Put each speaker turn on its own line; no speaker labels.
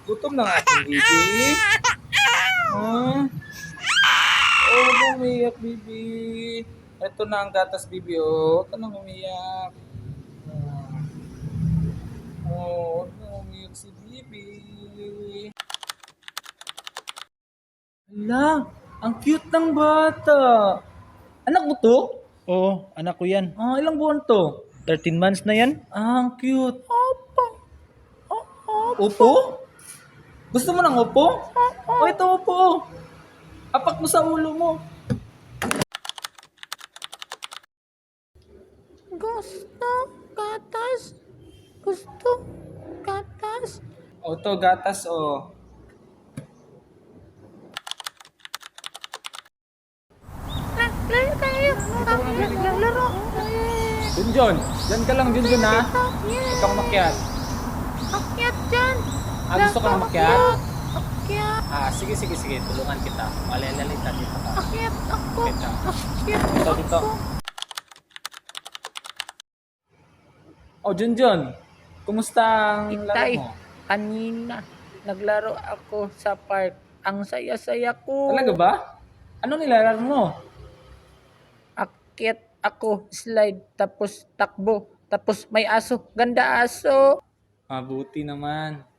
Gutom ng ating bibi. Ha? Oh, huwag kang umiyak, bibi. Ito na ang gatas, bibi. Oh, huwag ka nang umiyak. Oh, huwag kang umiyak si bibi. Hala, ang cute ng bata. Anak mo to?
Oo, anak ko yan.
Ilang buwan to?
13 months na yan.
Ang cute. Upo? Gusto mo ng upo? O, ito upo. Apak mo sa ulo mo.
Gusto gatas. Gusto gatas.
O, to gatas, o.
Laro tayo. Laro.
Junjun, dyan ka lang, Junjun, ha? Huwag kang makyat.
Akyat dyan.
Gusto ka na makyat?
Akyat.
Sige, sige, sige. Tulungan kita. Malilalita dito ka.
Akyat ako.
Kita.
Akyat
Dito, dito. O, Junjun. Kumusta ang laro
Itay,
mo?
kanina naglaro ako sa park. Ang saya-saya ko.
Talaga ba? Ano nilalaro mo?
Akyat ako, slide, tapos takbo, tapos may aso. Ganda aso.
Mabuti naman.